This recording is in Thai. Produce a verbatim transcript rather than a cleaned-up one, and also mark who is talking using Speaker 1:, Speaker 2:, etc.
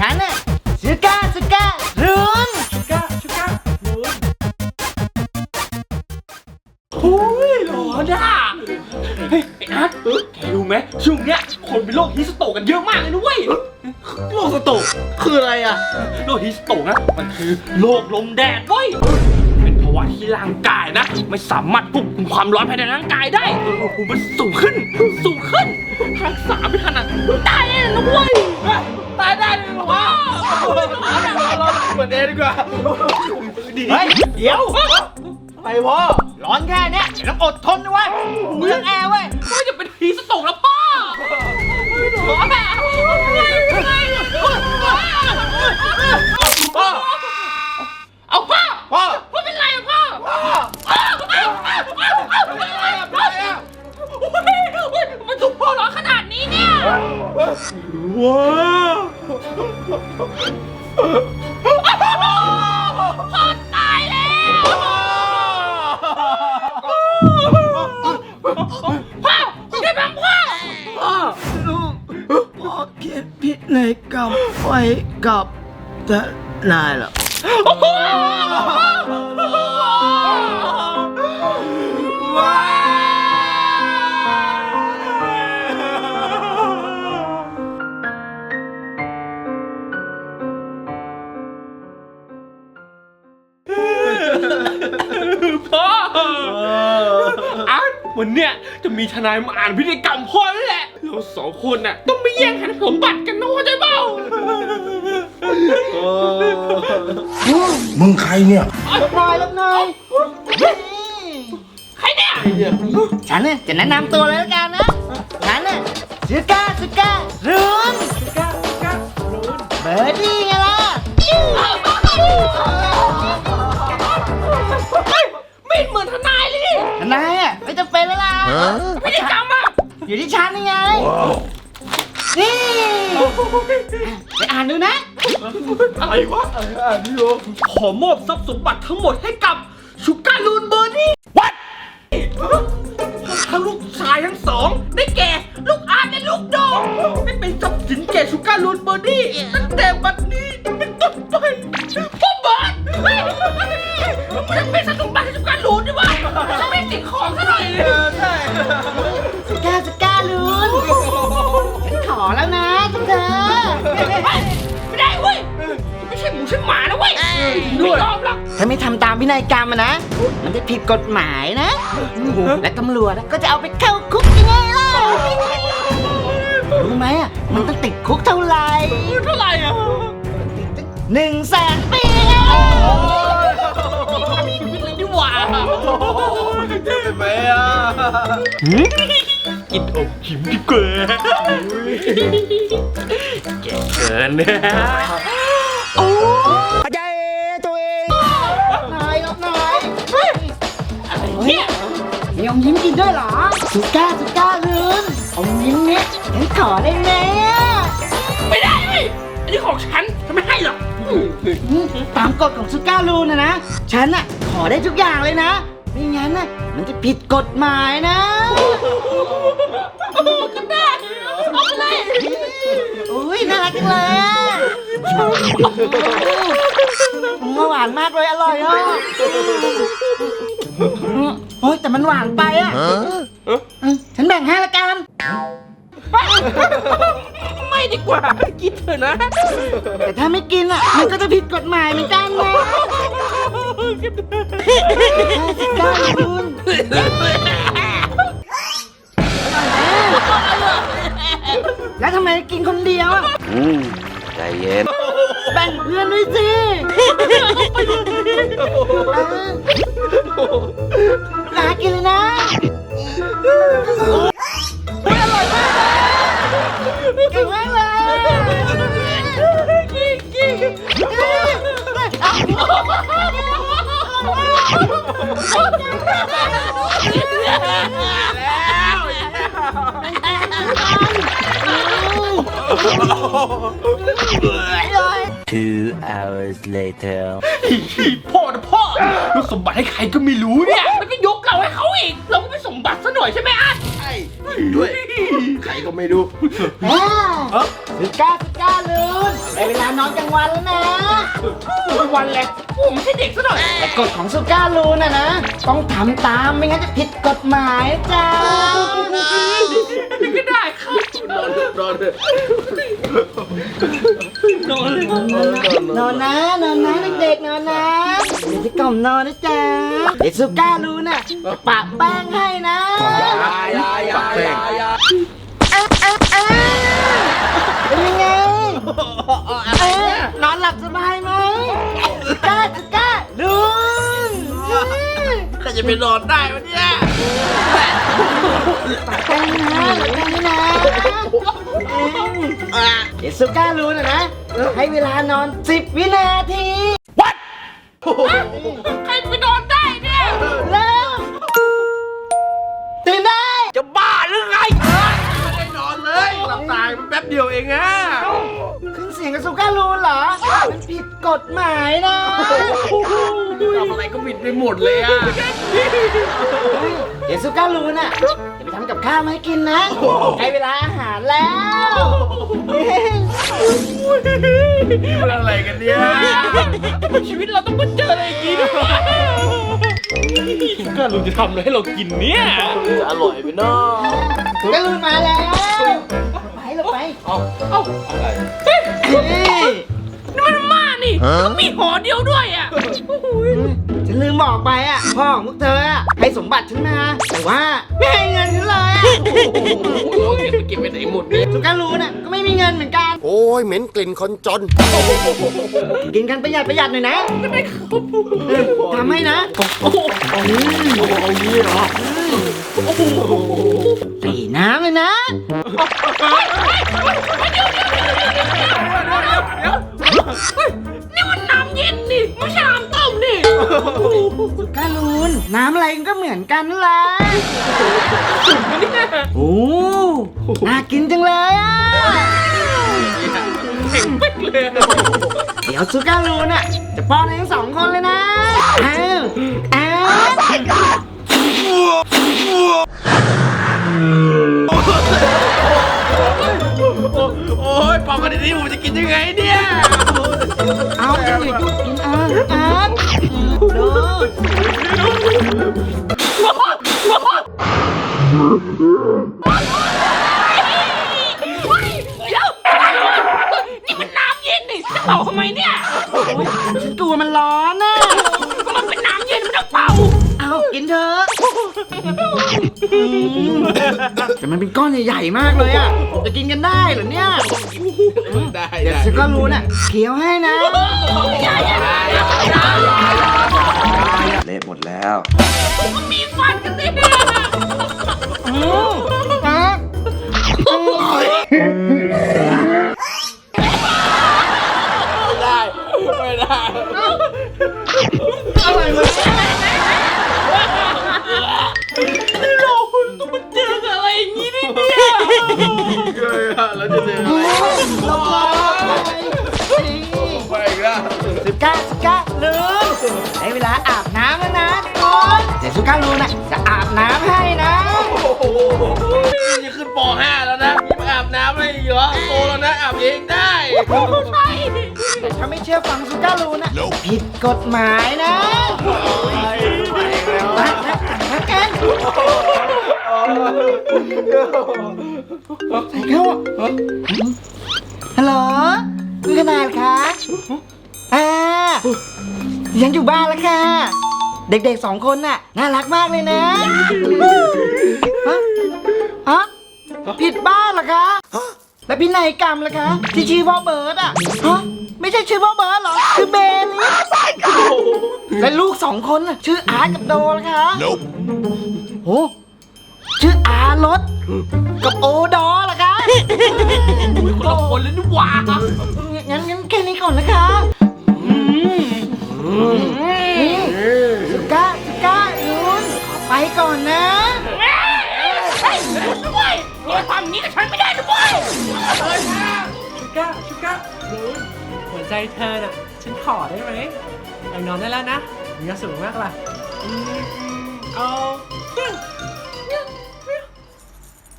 Speaker 1: ฉันน่ะชูก้าชูก้ารุนชูก้าชูก้ารุนโอ้ยร้อนอ่ะเฮ้ยไอ้อาร์ตแกรู้ไหมช่วงเนี้ยคนเป็นโรคฮิสโตกกันเยอะมากเลยนะเว้ยโรคฮิสโตกคืออะไรอ่ะโรคฮิสโตกนะมันคือโรคลมแดดเว้ยเป็นภาวะที่ร่างกายนะไม่สามารถควบคุมความร้อนภายในร่างกายได้อุณหภูมิมันสูงขึ้นสูงขึ้นรักษาไม่ทันอ่ะตายเลยนะเว้ยตายได้เลยเหรอวะเราเปิดเองดีกว่าเฮ้ยเดี๋ยวไปพ่อร้อนแค่เนี้ยต้องอดทนนะเว้ยเมืองแอร์เว้ยไม่จะเป็นผีสตกแล้วป้าพ่อเอาพ่อพ่อพ่อเป็นไรอะพ่อมันถูกพ่อร้อนขนาดนี้เนี่ยว้าวพ่อตายแล้วพ่อช่วยบังพ่อพ่อลูกพ่อเขียนพินัยกรรมไว้กับแต่นายเหรอว้าวพ่ออ่ะวันเนี้ยจะมีทนายมาอ่านพิธีกรรมพ่อแล้วแหละเราสองคนน่ะต้องไม่แย่งกันสมบัติกันนะเข้าใจเปล่า
Speaker 2: มึงใครเนี่ย
Speaker 1: รับนายรับนายใครเนี่ยฉันเนี่ยจะแนะนำตัวเลยแล้วกันนะฉันเนี่ยชูก้าชูก้ารุนชูก้าชูก้ารุนเบอร์ดี้ไงล่ะไม่เหมือนทนายเลยดิทนายอ่ะไม่จะเป็นแล้วล่ะพิธีกรรมอ่ะอยู่ที่ฉันนี่ไงนี่ไปอ่านดูนะอะไรวะอ่านดูขอมอบทรัพย์สมบัติทั้งหมดให้กับชูการ์ลูนเบอร์ดี้ What ทั้งลูกชายทั้งสองได้แก่ลูกอาร์ตและลูกโดงได้เป็นทรัพย์สินแก่ชูการ์ลูนเบอร์ดี้ตั้งแต่บัดนี้เป็นต้นไปพ่อเบิร์ดมันจะเป็นทรัพย์สมบัติให้ชูการ์ลูนดิวะจะไม่ติดของซะหน่อยเลยใช่ชูการ์ชูการ์ลูนฉันขอแล้วนะทุกเธอไม่ได้เว้ยไม่ใช่หมูใช่หมานะเว้ยไม่ยอมหรอกถ้าไม่ทำตามพินัยกรรมนะมันจะผิดกฎหมายนะและตำรวจก็จะเอาไปเข้าคุกยังไงล่ะรู้ไหมอ่ะมันต้องติดคุกเท่าไหร่เท่าไหร่อ่ะหนึ่งแสนปีมีชีวิตเลยดีกว่าเจ็บไหมอ่ะกินอบขิมดีกว่าแกเกินเนี่ยโอ้ใจตัวเองนายรับนายอะไรเนี่ยมีอมยิ้มกินด้วยเหรอสุก้าสุก้าลืนอมยิ้มเนี่ยฉันขอได้ไหมไม่ได้อันนี้ของฉันฉันไม่ให้หรอกตามกฎของสุก้าลูนนะนะฉันน่ะขอได้ทุกอย่างเลยนะไม่งั้นน่ะมันจะผิดกฎหมายนะก็ได้เอาไปเลยอุ้ยน่ารักจังเลยมันหวานมากเลยอร่อยอ่ะโอ้ยแต่มันหวานไปอ่ะฉันแบ่งให้ละกันไม่ดีกว่ากินเถอะนะแต่ถ้าไม่กินอ่ะมันก็จะผิดกฎหมายเหมือนกันนะสิก้าคุณแล้วทำไมกินคนเดียวอ่ะ
Speaker 2: ใจเย็น
Speaker 1: แบ่งเพื่อนด้วยสิน่ากินเลยนะอร่อยมากเก่งมากเลยกิ๊กกิ๊ก
Speaker 2: Two hours later
Speaker 3: พ่อนะพ่อลูกสมบัติให้ใครก็ไม่รู้เนี่ยแล้วก็ยกเราให้เขาอีกเราก็ไม่สมบัติซะหน่อยใช่ไหมอ่ะ
Speaker 2: ใช่ด้วยใครก็ไม่รู้
Speaker 1: สุก้าสุก้า
Speaker 4: ลูนได้เวลานอนกลางวันแล้วนะ
Speaker 3: วันแหละผมไม่ใช่เด็กซะหน่อย
Speaker 4: แต่กฎของซูก้าลูนน่ะนะต้องทำตามไม่งั้นจะผิดกฎหมายจ้า
Speaker 3: ก็ได้ครับนอนนอนเลยนอนเลย
Speaker 4: นอนนะนอนนะเด็กๆนอนนะเดี๋ยวจะกล่อมนอนนะจ๊ะเดี๋ยวซูก้าลูนน่ะจะปะแป้งให้นะ
Speaker 3: ยายายายา
Speaker 4: อ่ะอ่ะอ่ะเป็นยังไงเอ๊ะนอนหลับสบายไหมซูก้าซูก้าลูน
Speaker 3: ใครจะไปนอนได้วะเนี่ย
Speaker 4: ปะแป้งนะปะแป้งนะเดี๋ยวซูก้าลูนน่ะนะให้เวลานอนสิบวินาที
Speaker 3: ใครไปนอนได้เนี่ย
Speaker 4: เริ่มตื่นได้
Speaker 3: จะบ้าหรือไงไม่ได้นอนเลยหลับตายแป๊บเดียวเองอะ
Speaker 4: ขึ้นเสียงกับซูก้าลูนเหรอ มันผิดกฎหมายนะ
Speaker 3: ทำอะไรก็ผิดไปหมดเลยอะ
Speaker 4: เดี๋ยวซูก้าลูนอ่ะจะไปทำกับข้าวมาให้กินนะให้เวลาอาหารแล้ว
Speaker 3: นี่มันอะไรกันเนี่ยชีวิตเราต้องมาเจออะไรอย่างนี้ด้วยก็ลุงจะทำอะไรให้เรากินเนี่ยจะอร่อยไหมเนาะ
Speaker 4: ซูก้าลูนมาแล้วไปเราไป
Speaker 3: เอาเอาอะไร
Speaker 4: เฮ้ย
Speaker 3: นี่มันมานี่ก็มีหอเดียวด้วยอ่ะ
Speaker 4: ฉันลืมบอกไปอ่ะพ่อของพวกเธออ่ะให้สมบัติฉันมาแต่ว่าไม่ให้เงินฉันเลยอ่ะ
Speaker 3: โอ้โหเก็บไปเก็บไปไหนหมดเนี่ย
Speaker 4: ซูก้าลูนอ่ะก็ไม่มีเงินเหมือนกัน
Speaker 5: โอ้ยเหม็นกลิ่นคนจน
Speaker 4: กินกันประหยัดประหยัดหน่อยนะเออทำให้นะ
Speaker 3: โอ้โหเอางี้เหรอ
Speaker 4: สีน้ำเลยนะ
Speaker 3: นี่มันน้ำเย็นนี่ไม่ใช่น้ำต้มนี่
Speaker 4: กาลูนน้ำอะไรก็เหมือนกันนั่นแหละโอ้น่ากินจังเลยอ่ะ
Speaker 3: เข่งปิ๊กเลย
Speaker 4: เดี๋ยวซูการูนอ่ะจะป้อนให้ทั้งสองคนเลยนะอ้าวอ้าว
Speaker 3: โอ้ยปอกกันดีๆผมจะกินยังไงเนี่ย
Speaker 4: เอาอย่ายุ่งกินอ้าวอ้าวดู
Speaker 3: เดี๋ยวนี่มันน้ำเย็นนี่จะเป่าทำไมเนี่ย
Speaker 4: ฉันกลัวมันร้อนน่ะ
Speaker 3: ก็มันเป็นน้ำเย็นมันต้องเป่า
Speaker 4: เอากินเถอะอืมแต่มันเป็นก้อนใหญ่ๆมากเลยอ่ะจะกินกันได้เหรอเนี่ย
Speaker 3: ได้
Speaker 4: เดี๋ยวฉันก็รู้น่ะเคี้ยวให้นะ
Speaker 2: เละหมดแล้ว
Speaker 3: มีฟันกันสิ
Speaker 4: อืมอ่ะอืม
Speaker 3: ไม่ได้ไม่ได้
Speaker 4: อะไรวะ
Speaker 3: เราต้องมาเจอกับอะไรอย่างนี้นี่เนี่ยแล้วจะเจออะไร
Speaker 4: ลงมา
Speaker 3: ไปอีกแล้ว
Speaker 4: สุก้าสุก้าลูนได้เวลาอาบน้ำแล้วนะทุกคนเดี๋ยวสุก้าลูนน่ะจะอาบน้ำให้นะ
Speaker 3: โอ้โหจะขึ้นป .ห้า แล้วนะยังมาอาบน้ำอะไรอีกเหรอโตแล้วนะอาบเองได้ใช่
Speaker 4: แต่ถ้าไม่เชื่อฟังสุก้าลูนน่ะผิดกฎหมายนะไปแล้วแล้วกันใส่เข้าฮัลโหลคุณขนาดคะอ่ายังอยู่บ้านแล้วค่ะ เด็กๆสองคนน่ะน่ารักมากเลยนะฮะฮะผิดบ้านเหรอคะแล้วพินัยกรรมล่ะคะที่ชื่อว่าเบิร์ดอ่ะฮะไม่ใช่ชื่อว่าเบิร์ดเหรอชื่อเบนและลูกสองคนน่ะชื่ออาร์ตกับโดล่ะคะโอ้ชื่ออารถกับโอดอล่ะคะ
Speaker 3: คนละคนเลยนี่หว่า
Speaker 4: งั้นงั้นแค่นี้ก่อนนะคะสุก้าสุก้าลุนไปก่อนนะ
Speaker 3: เฮ้ยด้วยอย่าทำนี้กับฉันไม่ได้ด้วย
Speaker 6: ชูก้าชูก้ารู้หัวใจเธอน่ะฉันขอได้ไหมไปนอนได้แล้วนะมีความสุขมากล่ะอืมเอา